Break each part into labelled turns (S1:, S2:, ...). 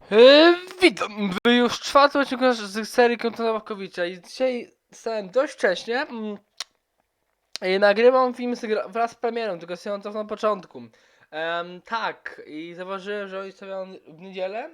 S1: Witam w już czwartym odcinku z serii Konta Ławkowicza i dzisiaj stałem dość wcześnie i nagrywam film wraz z premierą, tylko sobie to na początku. Tak, i zauważyłem, że oni stawiają w niedzielę,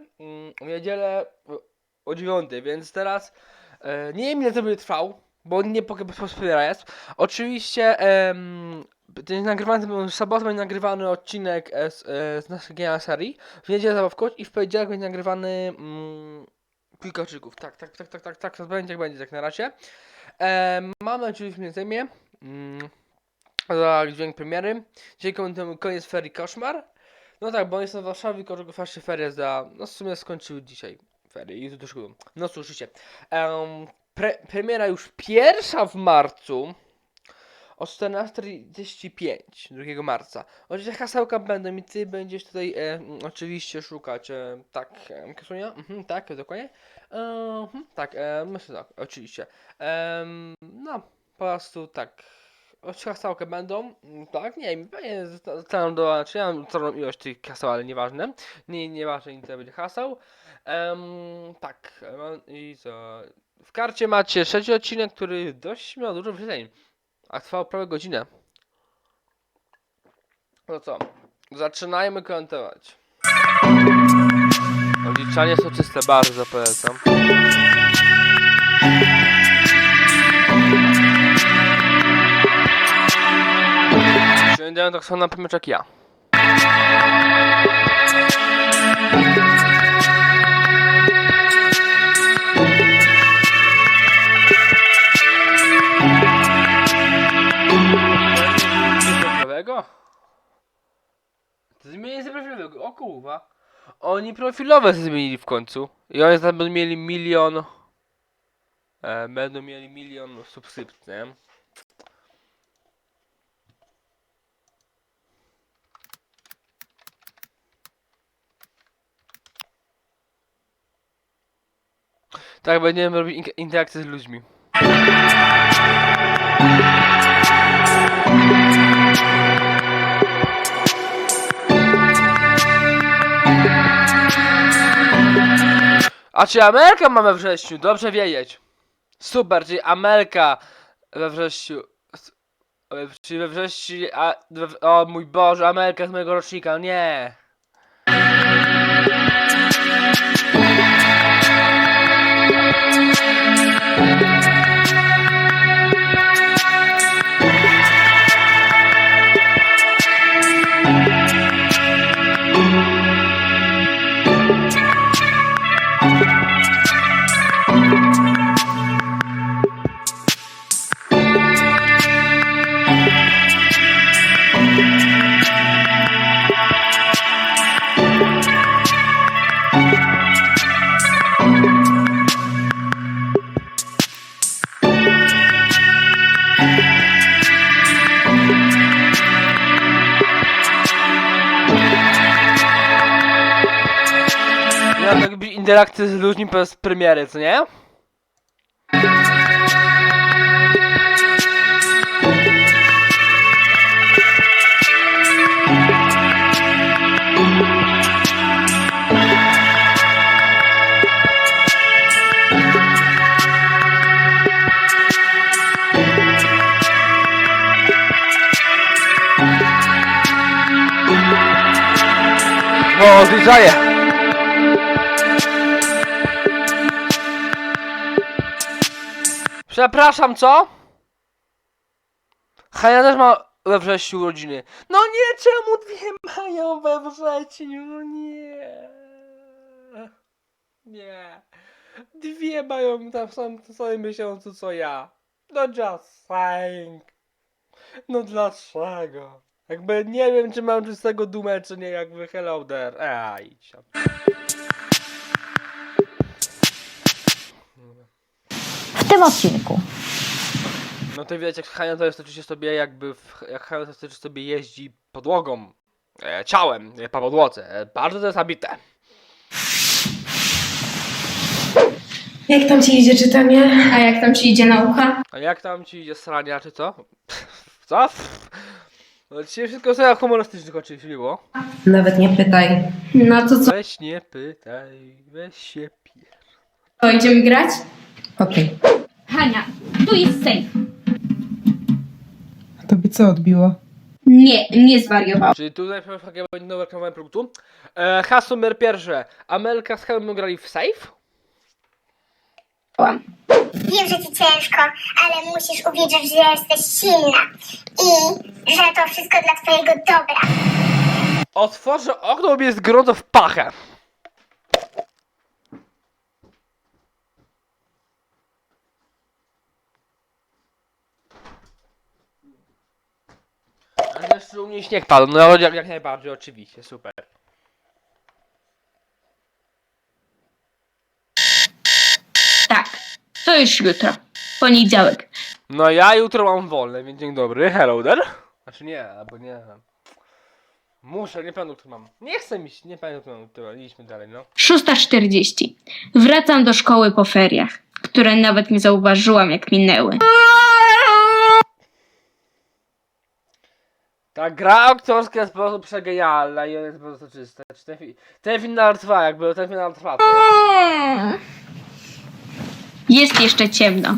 S1: o 9, więc teraz nie wiem ile to będzie trwał, bo nie spoiler jest. Oczywiście ten nagrywany w sobotę będzie nagrywany odcinek z naszej serii, w niedzielę zabawkować i w poniedziałek będzie nagrywany Pikaczyków. Tak, to będzie jak będzie tak na razie. Mamy oczywiście mnie zajmie za dźwięk premiery. Dzisiaj komentujemy koniec ferii Koszmar. No tak, bo jestem w Warszawie, tylko właśnie ferie no w sumie skończyły dzisiaj ferie i to szkodą. No słyszycie. Premiera już pierwsza w marcu o 14:35 2 marca. Oczywiście hasełka będą i ty będziesz tutaj oczywiście szukać. Tak, Kasunia? Tak, dokładnie. Tak, myślę tak, oczywiście. No, po prostu tak. Hasełka będą, tak, nie wiem, pewnie zostaną do, czy ja mam całą ilość tych haseł, ale nieważne. Nieważne, ile będzie haseł. Tak, i co? W karcie macie 6 odcinek, który dość miał dużo wyświetleń. A trwał prawie godzinę. No co? Zaczynajmy komentować. Odliczanie soczyste, bardzo polecam. Sięgają tak samo na pomycz jak ja. Zmienili profilowego, o kurwa. Oni profilowe zmienili w końcu. I oni będą mieli milion. Będą mieli milion subskrypcji, nie? Tak, będziemy robić interakcje z ludźmi. A czy Amelka ma we wrześniu? Dobrze wiedzieć. Super, czyli Amelka we wrześniu. Czyli we wrześniu. O mój Boże, Amelka z mojego rocznika, nie. Ja tak być interakcje z ludźmi bez premiery, co nie? O, zbliżaję! Przepraszam, co? Hania też ma we wrześniu urodziny. No nie, czemu dwie mają we wrześniu? No nie. Nie. Dwie mają tam w samym miesiącu co ja. No just saying. No dlaczego? Jakby nie wiem, czy mam z tego dumę, czy nie, jakby hello there. Idź tam.
S2: W tym odcinku
S1: No to widać, jak Hania to jest oczywiście sobie jakby, jak Hania to jest sobie jeździ podłogą, ciałem, po podłodze. Bardzo to jest zabite.
S3: Jak tam ci idzie czytanie? A jak tam ci idzie nauka?
S1: A jak tam ci idzie srania, czy co? Co? No dzisiaj wszystko sobie humorystycznych oczywiście było.
S3: Nawet nie pytaj. No to co?
S1: Weź nie pytaj, weź się pier...
S3: To idziemy grać? Okej.
S4: Hania, tu jest safe.
S3: Tobie co odbiło?
S4: Nie zwariowałam.
S1: Czyli tutaj będzie nowe reklamowanie produktu. Hasło numer pierwsze. Amelka z Helmą grali w safe?
S5: Wiem, że ci ciężko, ale musisz uwierzyć, że jesteś silna i że to wszystko dla twojego dobra.
S1: Otworzę okno, bo jest gorąco w pachę. Ale jeszcze u mnie śnieg padł, no jak najbardziej, oczywiście, super.
S4: Tak, to już jutro. Poniedziałek.
S1: No ja jutro mam wolne, więc dzień dobry, hello there. Znaczy nie, albo nie. Muszę, nie pamiętam, który mam. Nie chcę mi się, nie pamiętam, który mam. Idźmy dalej, no.
S4: 6:40. Wracam do szkoły po feriach, które nawet nie zauważyłam, jak minęły.
S1: Ta gra aktorska jest po prostu przegenialna i ona jest po prostu czysta. Czy ten final trwa, jakby ten final trwa, to jest...
S4: Jest jeszcze ciemno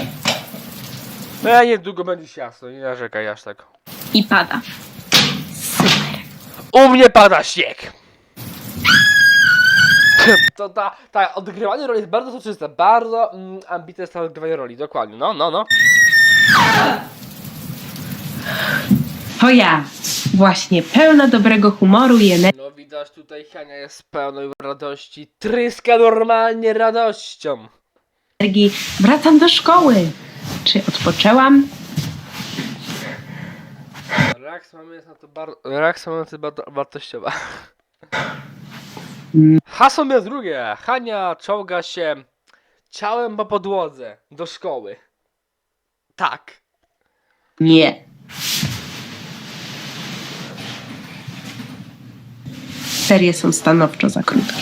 S1: No niedługo będzie się jasno, nie narzekaj aż tak.
S4: i pada. Super.
S1: U mnie pada śnieg! To ta odgrywanie roli jest bardzo soczyste, bardzo ambitne jest to odgrywanie roli, dokładnie, no.
S6: To ja, właśnie pełna dobrego humoru i
S1: No widać tutaj Hania jest pełna radości, tryska normalnie radością.
S6: energii, wracam do szkoły. Czy odpoczęłam?
S1: Reakcja mamy jest na to bardzo wartościowa. Hasło numer drugie. Hania czołga się ciałem po podłodze do szkoły. Tak.
S6: Nie. Ferie są stanowczo za krótkie.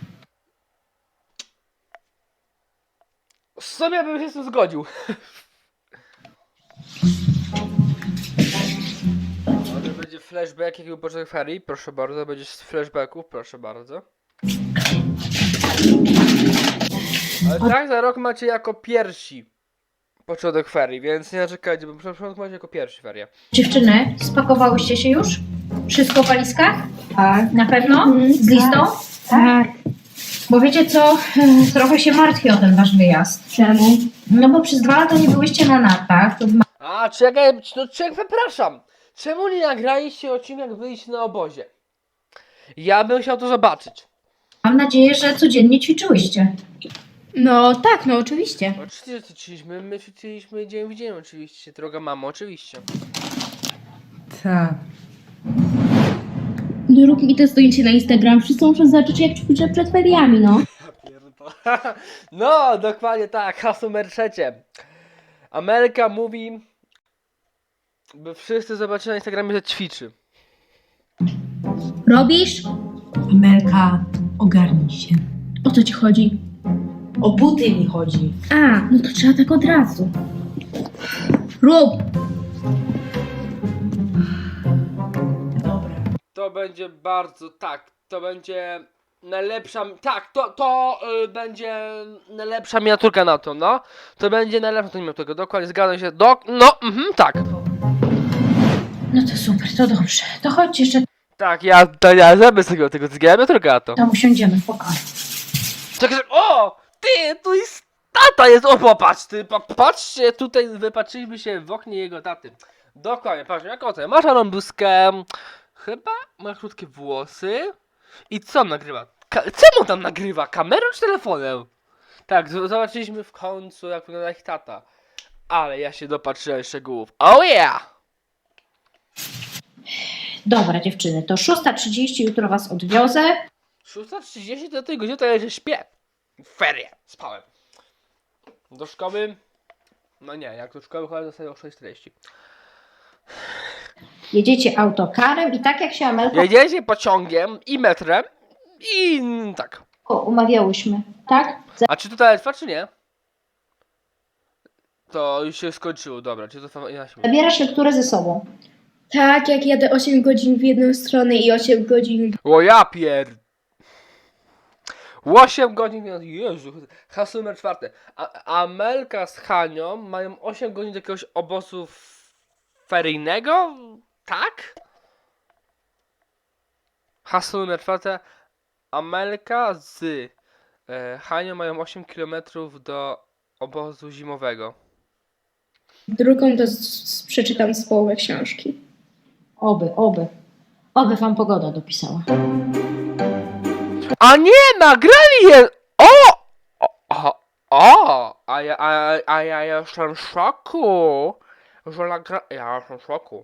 S1: Sobie bym się z tym zgodził. No, to będzie flashback, jaki był początek ferii, proszę bardzo, będzie z flashbacków, proszę bardzo. Ale tak, za rok macie jako pierwsi początek ferii, więc nie narzekajcie, bo początek macie jako pierwsi ferie.
S2: Dziewczyny, spakowałyście się już? Wszystko w walizkach? Tak. Na pewno? Z listą?
S4: Tak.
S2: Bo wiecie co, trochę się martwię o ten wasz wyjazd.
S4: Czemu?
S2: No bo przez 2 lata nie byłyście na nartach, to
S1: A, czekaj, no czekaj, przepraszam. Czemu nie nagraliście odcinek, jak byliście na obozie? Ja bym chciał to zobaczyć.
S2: mam nadzieję, że codziennie ćwiczyłyście.
S4: No tak, no oczywiście.
S1: Oczywiście, że ćwiczyliśmy, my ćwiczyliśmy dzień w dzień oczywiście, droga mamo, oczywiście.
S3: Tak.
S4: No rób mi to zdjęcie na Instagram. Wszyscy muszą zobaczyć, jak ćwiczę przed feriami, no.
S1: No, dokładnie tak, hasło numer trzecie. Ameryka mówi, by wszyscy zobaczyli na Instagramie, że ćwiczy.
S4: Robisz?
S3: Amelka, ogarnij się.
S4: O co ci chodzi?
S3: O buty mi chodzi.
S4: A, no to trzeba tak od razu. Rób!
S3: Dobra.
S1: To będzie bardzo, tak, to będzie najlepsza, tak, to będzie najlepsza miniaturka na to, no. To będzie najlepsza miniaturka, dokładnie, zgadzam się, tak.
S2: No to super, to dobrze. To chodźcie jeszcze
S1: Tak, ja zrobię z tego miniaturka na to.
S2: tam usiądziemy w pokoju.
S1: Czekaj, o, ty, tu jest tata jest, o popatrz, ty, patrzcie, tutaj wypatrzyliśmy się w oknie jego taty. Dokładnie, patrz, jak oto, masz arambuskę, chyba ma krótkie włosy i co on nagrywa? Czemu tam nagrywa? Kamerą czy telefonem? Tak, zobaczyliśmy w końcu, jak wygląda ich tata. Ale ja się dopatrzyłem szczegółów. Oh yeah!
S2: Dobra dziewczyny, to 6:30 jutro was odwiozę.
S1: 6:30 do tej godziny to ja się śpię. Ferie, spałem. Do szkoły... No nie, jak do szkoły chodzę, dostaję o 6:40.
S2: Jedziecie autokarem i tak jak się Amelka
S1: Jedziecie pociągiem i metrem i tak.
S2: umawiałyśmy, tak?
S1: A czy to dalej trwa, czy nie? To już się skończyło, dobra, czy to trwa inaczej?
S2: Zabierasz lekturę ze sobą.
S3: Tak, jak jadę 8 godzin w jedną stronę i 8 godzin.
S1: O ja pier... 8 godzin, Jezu, hasło numer 4. Amelka z Hanią mają 8 godzin do jakiegoś obozu feryjnego? Tak? Hasło numer 4. Amelka z Hanią mają 8 km do obozu zimowego.
S3: Drugą to przeczytam z połowy książki.
S2: Oby wam pogoda dopisała.
S1: A nie, nagrali je! A ja jestem w szoku, że ja jestem w szoku.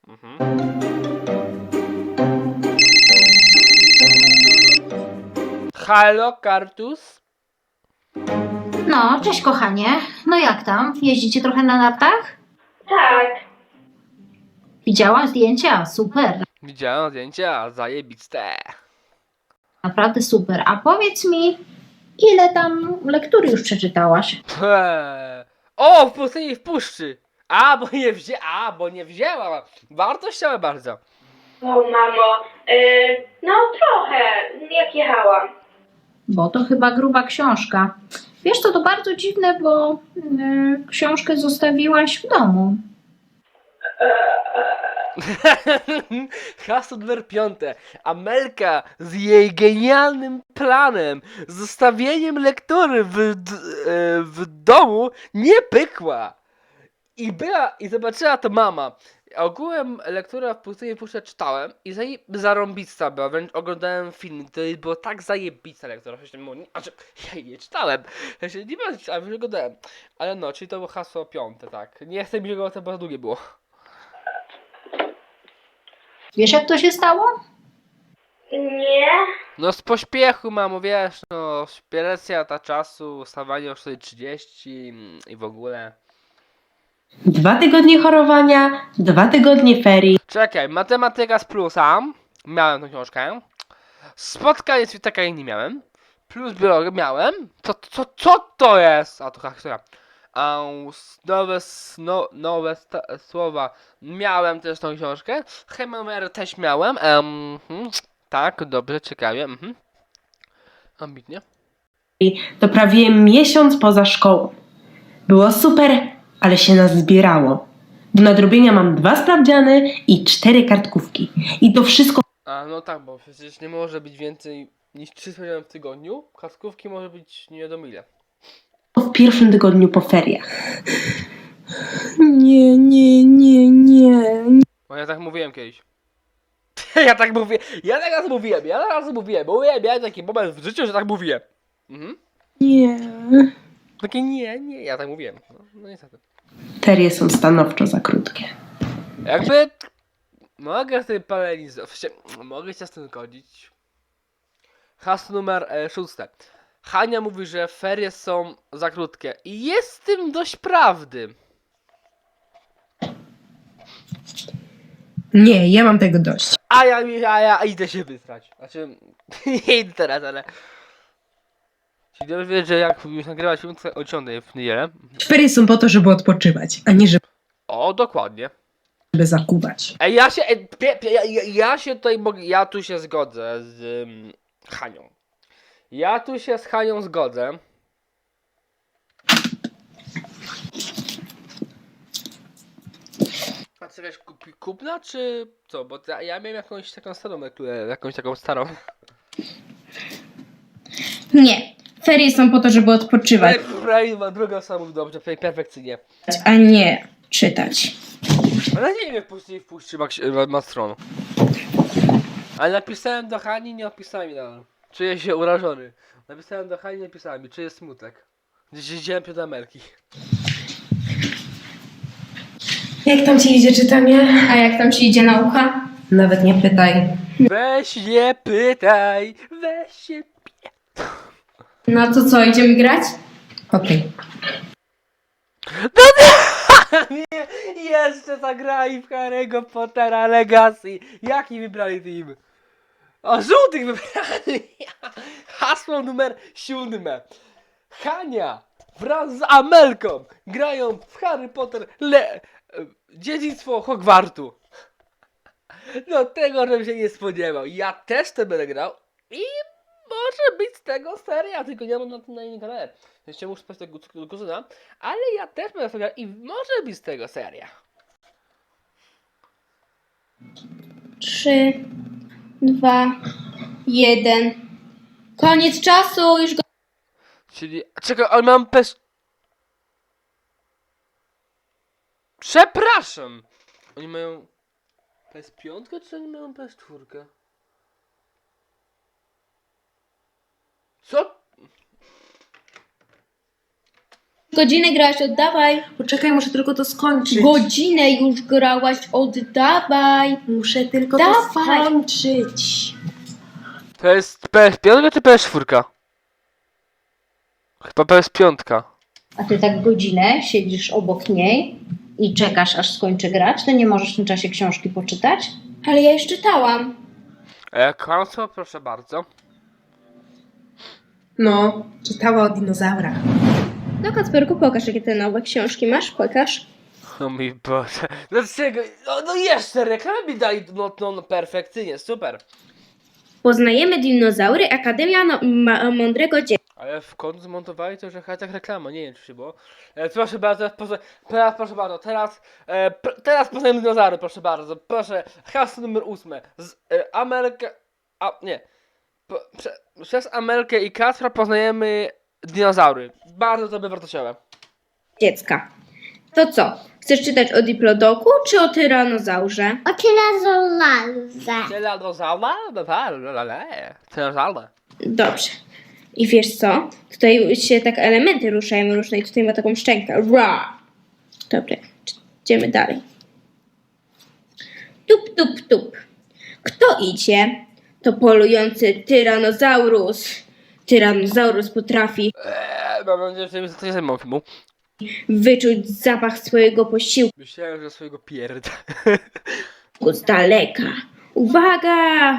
S1: Halo, Kartus?
S2: No, cześć kochanie. No jak tam? Jeździcie trochę na nartach?
S3: Tak.
S2: Widziałam zdjęcia, super.
S1: Widziałem zdjęcia, zajebiste.
S2: Naprawdę super. A powiedz mi, ile tam lektury już przeczytałaś?
S1: O, w pustyni w puszczy. Bo nie wzięłam. Wartościowe bardzo.
S3: O mamo, no trochę, jak jechałam.
S2: Bo to chyba gruba książka. Wiesz co, to bardzo dziwne, bo książkę zostawiłaś w domu.
S1: Hasło numer 5. Amelka z jej genialnym planem, zostawieniem lektury w domu nie pykła. I zobaczyła to mama. Ogółem lektura w pustyni puszczę czytałem i zarąbista była, wręcz oglądałem film, to było tak zajebista lektura, znaczy ja jej nie czytałem, ja się nie będę czytałem, już oglądałem, ale no, czyli to było hasło 5, tak, nie chcę mi go, to bardzo długie było.
S2: Wiesz jak to się stało?
S3: Nie.
S1: No z pośpiechu mamo, wiesz, no, presja ta czasu, wstawanie o 4:30 i w ogóle.
S6: 2 tygodnie chorowania, 2 tygodnie ferii.
S1: Czekaj, matematyka z plusa. Miałem tą książkę. Spotkanie z Witaka nie miałem. Plus biologię miałem. Co to jest? A to historia. Nowe słowa. Miałem też tą książkę. Chemię też miałem. Tak, dobrze, ciekawie. Ambitnie.
S6: To prawie miesiąc poza szkołą. Było super, ale się nas zbierało. Do nadrobienia mam 2 sprawdziany i 4 kartkówki. I to wszystko
S1: A no tak, bo przecież nie może być więcej niż 3 sprawdziany w tygodniu. Kartkówki może być nie wiadomo ile.
S6: w pierwszym tygodniu po feriach. Nie.
S1: Bo ja tak mówiłem kiedyś. Ja tak mówiłem, bo miałem taki moment w życiu, że tak mówiłem.
S6: Nie.
S1: Takie nie, ja tak mówiłem. No niestety.
S6: Ferie są stanowczo za krótkie.
S1: Jakby mogę z tym mogę się z tym zgodzić. Hasło numer 6. Hania mówi, że ferie są za krótkie. I jest w tym dość prawdy.
S3: Nie, ja mam tego dość.
S1: A ja idę się wysrać. Znaczy, nie idę teraz, ale... Czyli dobrze wiesz, że jak już nagrywać film, to o 10 w niedzielę.
S3: Ferie są po to, żeby odpoczywać, a nie żeby
S1: O, dokładnie.
S3: zakuwać.
S1: Ej, ja się tutaj mogę, ja tu się zgodzę z Hanią. Ja tu się z Hanią zgodzę. A co wiesz, kupna czy co? Bo ja miałem jakąś taką starą lekturę, jakąś taką starą.
S4: Nie. Ferie są po to, żeby odpoczywać,
S1: Druga osoba mówi dobrze, perfekcyjnie.
S4: a nie czytać.
S1: Ale nie wiem, wpuści ma stron. Ale napisałem do Hani, nie opisałem mi nadal. Czuję się urażony. Napisałem do Hani, nie napisałem mi, czuję smutek. Gdzieś widziałem do Amelki.
S3: Jak tam ci idzie czytanie?
S4: A jak tam ci idzie nauka?
S3: Nawet nie pytaj.
S1: Weź nie pytaj, weź się...
S4: No to co, idziemy grać?
S3: Okej.
S1: Nie, jeszcze zagrali w Harry'ego Pottera Legacy. Jaki wybrali team? O, żółtych wybrali. Hasło numer 7. Hania wraz z Amelką grają w Harry Potter Dziedzictwo Hogwartu. No tego, żebym się nie spodziewał. Ja też to będę grał i może być z tego seria, tylko nie mam na tym na innym kanale. Jeszcze muszę spać tego kuzyna, ale ja też będę to grał i może być z tego seria.
S4: 3, 2, 1. Koniec czasu, już go...
S1: Czyli, czekaj, ale mam Przepraszam! Oni mają PS5 czy oni mają PS4? Co?
S4: Godzinę grałaś, oddawaj.
S3: Poczekaj, muszę tylko to skończyć.
S4: Godzinę już grałaś, oddawaj.
S3: Muszę tylko
S4: Dawaj.
S3: to skończyć.
S1: To jest PS5 czy PS4? Chyba PS5.
S2: A ty tak godzinę siedzisz obok niej i czekasz, aż skończy grać, to nie możesz w tym czasie książki poczytać?
S4: Ale ja już czytałam.
S1: Kłamstwo, proszę bardzo.
S3: No, czytała o dinozaurach.
S4: No Kacperku, pokaż jakie te nowe książki masz, pokaż.
S1: O mój Boże. Dlaczego? No jeszcze reklamy mi dali, no perfekcyjnie, super.
S4: Poznajemy dinozaury, Akademia Mądrego Dziecka.
S1: Ale w końcu zmontowali to, że tak reklama, nie wiem czy się było. Proszę bardzo, teraz proszę bardzo, teraz poznajemy dinozaury, proszę bardzo, proszę, hasło numer 8. Z Ameryka, nie. Przez Amelkę i Kacpra poznajemy dinozaury. Bardzo to by wartościowe.
S4: Dziecka. To co? Chcesz czytać o Diplodoku czy o tyranozaurze?
S5: O tyranozaurazę.
S1: Dinozaury.
S4: Dobrze. I wiesz co? Tutaj się tak elementy ruszają różne i tutaj ma taką szczękę. Ra! Dobra, idziemy dalej. Tup, tup, tup. Kto idzie? To polujący tyranozaurus. Tyranozaurus potrafi
S1: Mam nadzieję, że to nie zajmą filmu.
S4: wyczuć zapach swojego posiłku
S1: Myślałem, że swojego pierda.
S4: z daleka. Uwaga!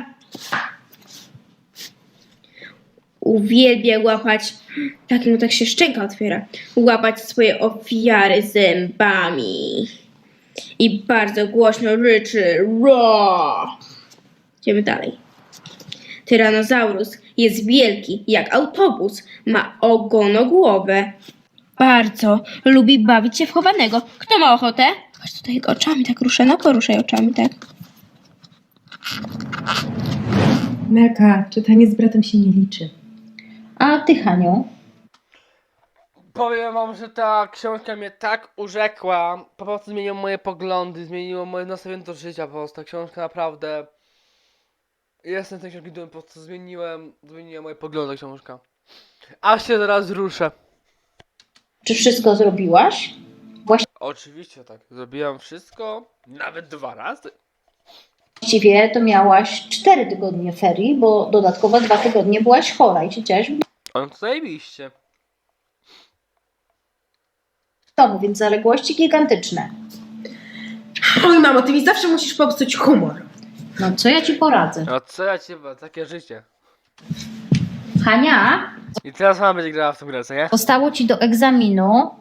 S4: Uwielbia łapać, tak się szczęka otwiera, łapać swoje ofiary zębami. I bardzo głośno ryczy. Roar! Idziemy dalej. Tyranozaurus jest wielki jak autobus, ma ogonogłowę. Bardzo lubi bawić się w chowanego. Kto ma ochotę? Chodź tutaj oczami tak ruszę, no poruszaj oczami tak.
S3: Melka, czytanie z bratem się nie liczy.
S2: A ty, Haniu?
S1: Powiem wam, że ta książka mnie tak urzekła. Po prostu zmieniło moje poglądy, zmieniło moje nastawienie do życia. Po prostu ta książka naprawdę... Jestem z tej książki dumny, po prostu zmieniła moje poglądy książka. Aż się zaraz ruszę.
S2: Czy wszystko zrobiłaś?
S1: Oczywiście tak, zrobiłam wszystko, nawet 2 razy.
S2: Właściwie to miałaś 4 tygodnie ferii, bo dodatkowo 2 tygodnie byłaś chora i siedziałaś w
S1: On to zajebiście.
S2: domu, więc zaległości gigantyczne.
S3: Oj, mamo, ty mi zawsze musisz popsuć humor.
S2: No co ja ci poradzę?
S1: No co ja ci takie życie.
S2: Hania,
S1: I teraz mama będzie grała w tą grę, co nie?
S2: zostało ci do egzaminu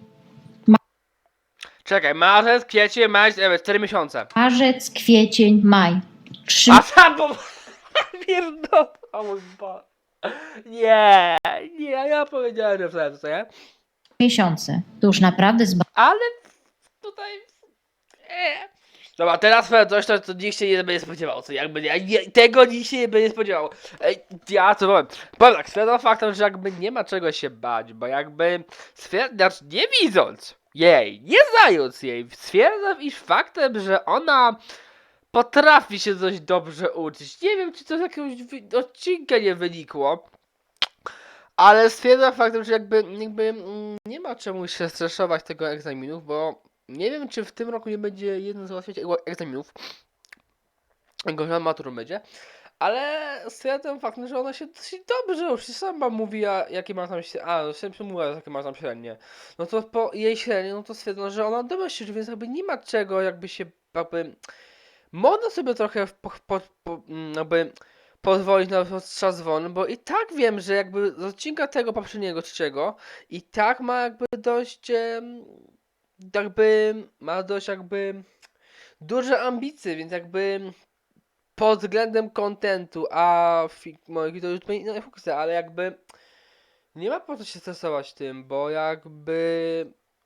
S1: Czekaj, marzec, kwiecień, maj, 4 miesiące.
S2: marzec, kwiecień, maj. 3
S1: A tam bo... Pierdol... O mój Boże. Nie, ja powiedziałem, że wtedy, co nie?
S2: miesiące. To już naprawdę
S1: Ale tutaj... Dobra, teraz coś, to nikt się nie będzie spodziewał, co jakby tego nikt się nie będzie spodziewał. Ja co powiem? Powiem tak, stwierdzam faktem, że jakby nie ma czego się bać, bo jakby stwierdzam, nie widząc jej, nie znając jej, stwierdzam iż faktem, że ona potrafi się dość dobrze uczyć. Nie wiem, czy to z jakiegoś odcinka nie wynikło. Ale stwierdzam faktem, że jakby nie ma czemu się stresować tego egzaminów, bo nie wiem, czy w tym roku nie będzie jeden z załatwiać egzaminów. Gorzej maturą będzie. Ale stwierdzam faktem, że ona się dosyć dobrze już sama mówi, jakie ma tam średnie. A, mówiła, jakie ma tam średnie. No to po jej średnie, no to stwierdzam, że ona dobrze się uczy, więc jakby nie ma czego jakby się jakby... Można sobie trochę jakby pozwolić na czas wolny, bo i tak wiem, że jakby z odcinka tego poprzedniego trzeciego i tak ma jakby dość jakby ma dość jakby duże ambicje, więc jakby pod względem kontentu, a moich to już nie fokusuje, ale jakby nie ma po co się stresować tym, bo jakby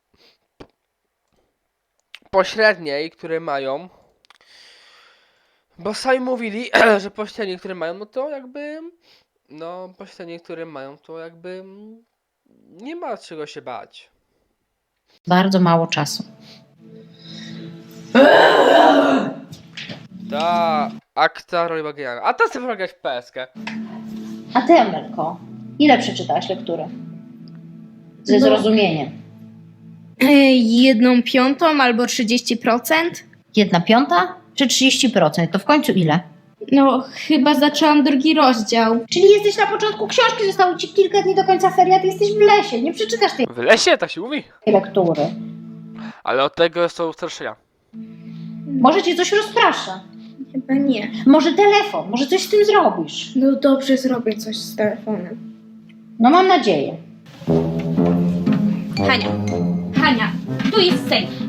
S1: pośredniej, które mają, bo sami mówili, że pośrednie, które mają, no to jakby, no pośrednie, które mają, to jakby nie ma czego się bać.
S2: Bardzo mało czasu.
S1: Ta akta roli Bagiana. A ta sobie grać w PSK.
S2: A ty, Amelko, ile przeczytałaś lektury? Ze
S4: No.
S2: zrozumieniem.
S4: 1/5 albo 30%?
S2: 1/5 czy 30%? To w końcu ile?
S4: No, chyba zaczęłam drugi rozdział.
S2: Czyli jesteś na początku książki, zostało ci kilka dni do końca ferii, a ty jesteś w lesie, nie przeczytasz tej
S1: W lesie, tak się mówi.
S2: lektury.
S1: Ale od tego są straszenia.
S2: Może cię coś rozprasza.
S4: Chyba nie.
S2: Może telefon, może coś z tym zrobisz.
S4: No dobrze, zrobię coś z telefonem.
S2: No mam nadzieję.
S4: Hania, tu jest safe.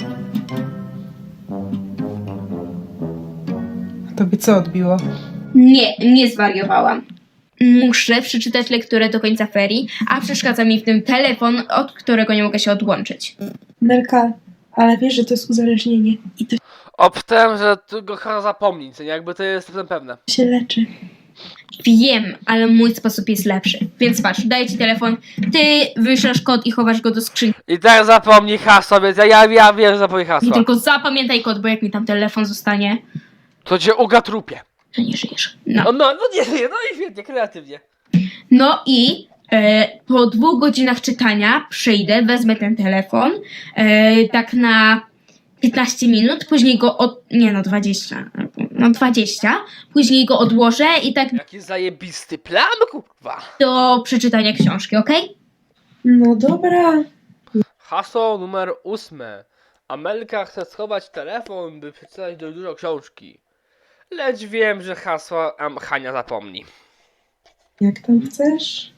S6: A tobie co odbiło?
S4: Nie zwariowałam. Muszę przeczytać lekturę do końca ferii, a przeszkadza mi w tym telefon, od którego nie mogę się odłączyć.
S3: Melka, ale wiesz, że to jest uzależnienie i to
S1: Obtem, że tu go chyba zapomnieć, co nie? Jakby to jest pewne.
S3: się leczy.
S4: Wiem, ale mój sposób jest lepszy. Więc patrz, daję ci telefon, ty wyślesz kod i chowasz go do skrzynki.
S1: I tak zapomnij hasła, więc ja wiem, że zapomnij
S4: I
S1: hasła.
S4: tylko zapamiętaj kod, bo jak mi tam telefon zostanie,
S1: To cię ugatrupie.
S4: to nie żyjesz.
S1: No nie, no i świetnie, kreatywnie.
S4: No i po 2 godzinach czytania przyjdę, wezmę ten telefon, tak na 15 minut, później go 20, później go odłożę i tak
S1: Jaki zajebisty plan, kurwa.
S4: do przeczytania książki, okej?
S3: No dobra.
S1: Hasło numer 8. Amelka chce schować telefon, by przeczytać dużo książki. Lecz wiem, że hasła Hania zapomni.
S3: Jak tam chcesz?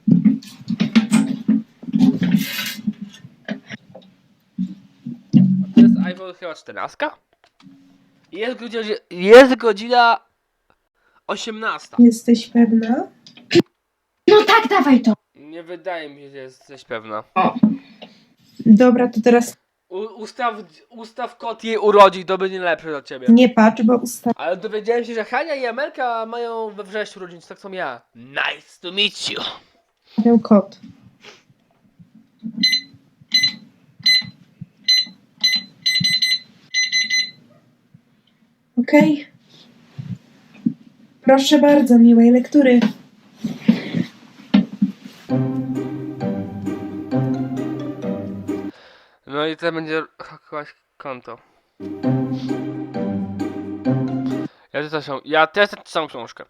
S1: To jest iPhone chyba 14? Jest godzina 18.
S3: Jesteś pewna?
S4: No tak, dawaj to.
S1: Nie wydaje mi się, że jesteś pewna.
S3: Dobra, to teraz
S1: Ustaw kod jej urodzin, to będzie lepsze dla ciebie.
S3: nie patrz, bo
S1: Ale dowiedziałem się, że Hania i Amelka mają we wrześniu urodzin, tak samo ja. Nice to meet you.
S3: ustawiam kod. Okej. Proszę bardzo, miłej lektury.
S1: No i to będzie hakować konto. Ja też tę samą książkę.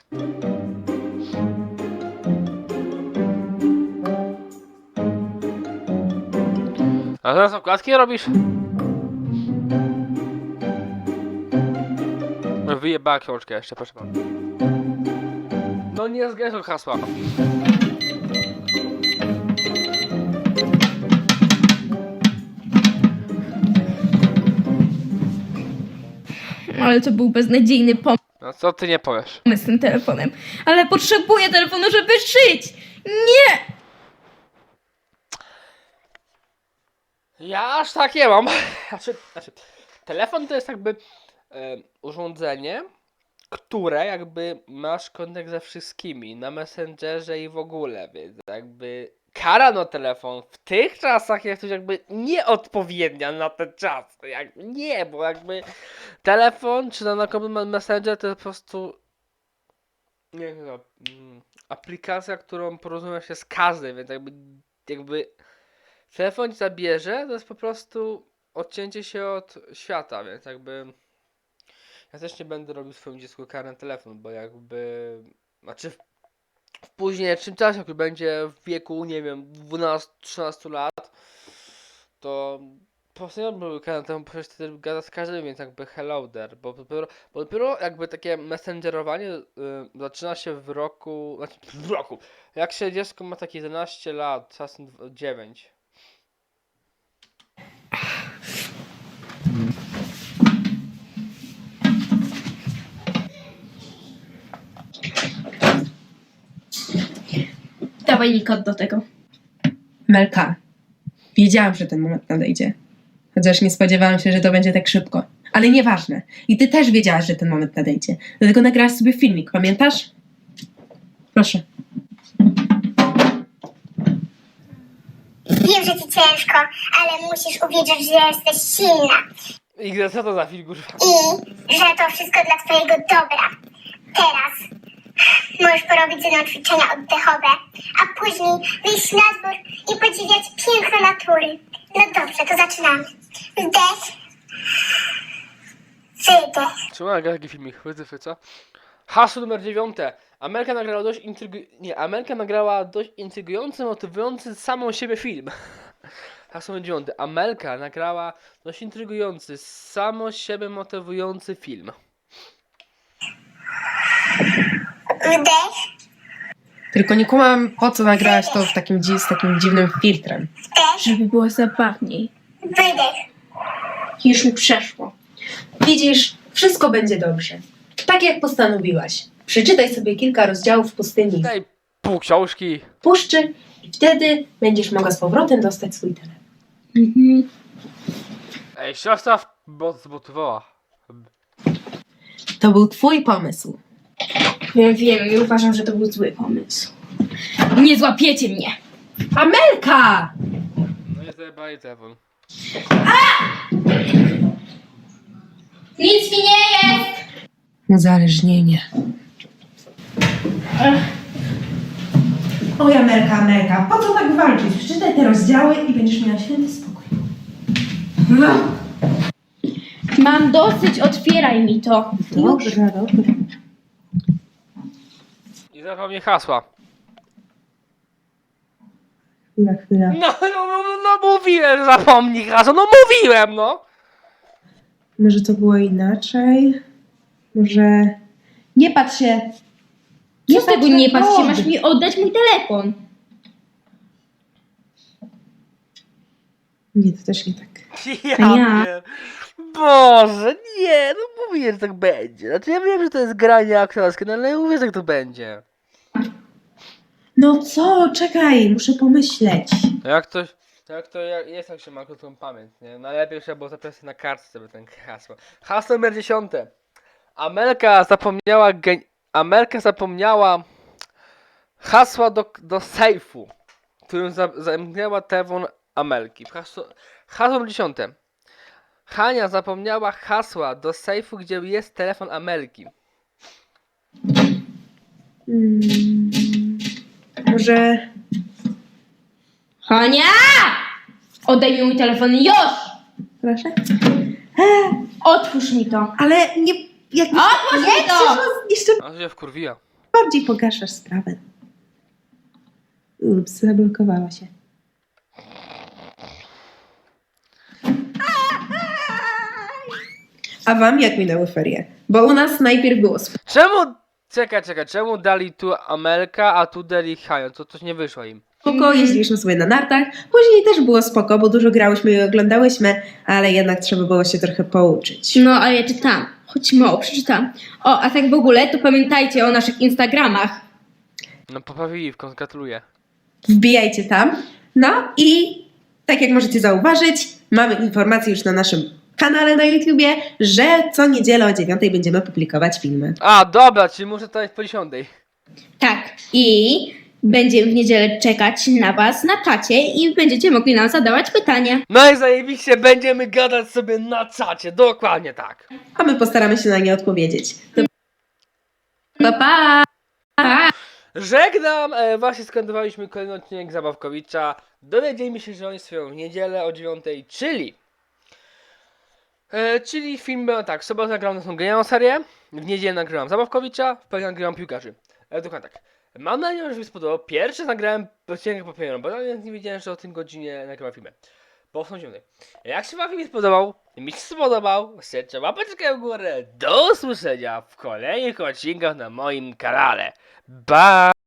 S1: A teraz okładki robisz? Wyjebała książkę jeszcze, proszę pana. No nie zgadzam hasła.
S4: Ale to był beznadziejny
S1: No co ty nie powiesz?
S4: pomysł z tym telefonem. Ale potrzebuję telefonu, żeby żyć. Nie!
S1: Ja aż tak nie mam. Telefon to jest jakby urządzenie, które jakby masz kontakt ze wszystkimi na Messengerze i w ogóle, więc jakby kara na telefon w tych czasach jest już jakby nieodpowiednia na ten czas. Jakby nie, bo jakby telefon czy na Messenger to jest po prostu nie wiem, aplikacja, którą porozumia się z każdym, więc jakby telefon ci zabierze, to jest po prostu odcięcie się od świata, więc jakby ja też nie będę robił swoim dziecku kary na telefon, bo jakby znaczy w późniejszym czasie, jak będzie w wieku, nie wiem, 12-13 lat, to po prostu były kary na telefon, przecież wtedy gada z każdym, więc jakby hello there, bo dopiero jakby takie messengerowanie zaczyna się w roku, jak się dziecko ma takie 11 lat, czasem 9.
S4: dawaj mi kod do tego.
S6: Melka, wiedziałam, że ten moment nadejdzie. Chociaż nie spodziewałam się, że to będzie tak szybko. Ale nieważne. I ty też wiedziałaś, że ten moment nadejdzie. Dlatego nagrałaś sobie filmik, pamiętasz? Proszę.
S5: Wiem, że ci ciężko, ale musisz uwierzyć, że jesteś silna
S1: I co to za film, kurwa?
S5: i że to wszystko dla twojego dobra. Teraz możesz porobić ze mną ćwiczenia oddechowe, a później wyjść na dwór i podziwiać piękno natury. No dobrze, to zaczynamy. Wdech, wydech.
S1: Czemu nagra taki filmik? Wytyfy, co? Hasło numer 9. Amelka nagrała dość intrygujący, motywujący samą siebie film. Hasło numer 9. Amelka nagrała dość intrygujący, samo siebie motywujący film.
S5: Wdech,
S6: Tylko nie kumam, po co nagrałaś to z takim dziwnym filtrem.
S5: wdech,
S4: Żeby było zabawniej.
S5: wydech.
S4: Już mi przeszło.
S6: Widzisz, wszystko będzie dobrze. Tak jak postanowiłaś. Przeczytaj sobie kilka rozdziałów pustyni
S1: Daj pół książki.
S6: puszczy i wtedy będziesz mogła z powrotem dostać swój telefon.
S4: Mhm.
S1: Ej, siostra zmotywowała.
S6: To był twój pomysł.
S4: Wiem i uważam, że to był zły pomysł. Nie złapiecie mnie!
S6: Amelka!
S1: No i zajebali telefon.
S4: Nic mi nie jest!
S6: Uzależnienie. Oj, Amelka, po co tak walczyć? Przeczytaj te rozdziały i będziesz miała święty spokój.
S4: Mam dosyć, otwieraj mi to.
S6: Dobrze.
S1: I zapomnij hasła.
S6: Chwila.
S1: No mówiłem, że zapomnij hasła. No mówiłem, no!
S6: Może to było inaczej? Może... Nie patrz się!
S4: Co z tego nie patrzcie?
S6: kod.
S4: Masz mi oddać mój telefon.
S6: Nie, to też nie tak.
S1: Ja
S4: Ja.
S1: wiem. Boże, nie, no mówię, że tak będzie. Znaczy ja wiem, że to jest granie aktorskie, no ale ja mówię, że tak to będzie.
S6: No co? Czekaj, muszę pomyśleć.
S1: Jest jak się ma krótką pamięć, nie? Najlepiej trzeba było zapisać na kartce sobie ten hasło. Hasło numer 10. Amelka zapomniała hasła do sejfu, którym zamknęła telefon Amelki. Hasło numer 10. Hania zapomniała hasła do sejfu, gdzie jest telefon Amelki.
S6: Może...
S4: Hania! Oddaj mi mój telefon już!
S6: Proszę?
S4: Otwórz mi to.
S6: Ale nie... Jak
S4: Otwórz mi to!
S6: jeszcze
S1: A się wkurwiła.
S6: bardziej pogarszasz sprawę. Ups, zablokowała się. A wam jak minęły ferie? Bo u nas najpierw było
S1: Czemu? Czekaj, czemu dali tu Amelka, a tu dali Hania? To coś nie wyszło im.
S6: spoko, jeździliśmy sobie na nartach. Później też było spoko, bo dużo grałyśmy i oglądałyśmy, ale jednak trzeba było się trochę pouczyć.
S4: No, ale ja czytam. Choć mało przeczytam. O, a tak w ogóle, to pamiętajcie o naszych Instagramach.
S1: No poprawili, gratuluję.
S6: Wbijajcie tam. No i tak jak możecie zauważyć, mamy informacje już na naszym kanale na YouTubie, że co niedzielę o 9 będziemy publikować filmy.
S1: A, dobra, czyli muszę to jest po 10.
S4: Tak. I będziemy w niedzielę czekać na was na czacie i będziecie mogli nam zadawać pytania.
S1: No i zajebiście, będziemy gadać sobie na czacie, dokładnie tak.
S6: A my postaramy się na nie odpowiedzieć. To
S4: Pa, pa!
S1: Żegnam, właśnie skandowaliśmy kolejny odcinek Zabawkowicza. Dowiedzieliśmy się, że oni swoją w niedzielę o 9, czyli film był tak, w sobotę nagrałem naszą genialną serię, w niedzielę nagrałem Zabawkowicza, w poniedziałek nagrałem Piłkarzy. Dokładnie tak. Mam nadzieję, że mi się spodobał. Pierwszy nagrałem odcinek po premierą, bo ja nie wiedziałem, że o tym godzinie nagrywam filmy. Bo są 9. Jak się wam film spodobał, mi się spodobał, serce łapeczkę w górę. Do usłyszenia w kolejnych odcinkach na moim kanale. Bye!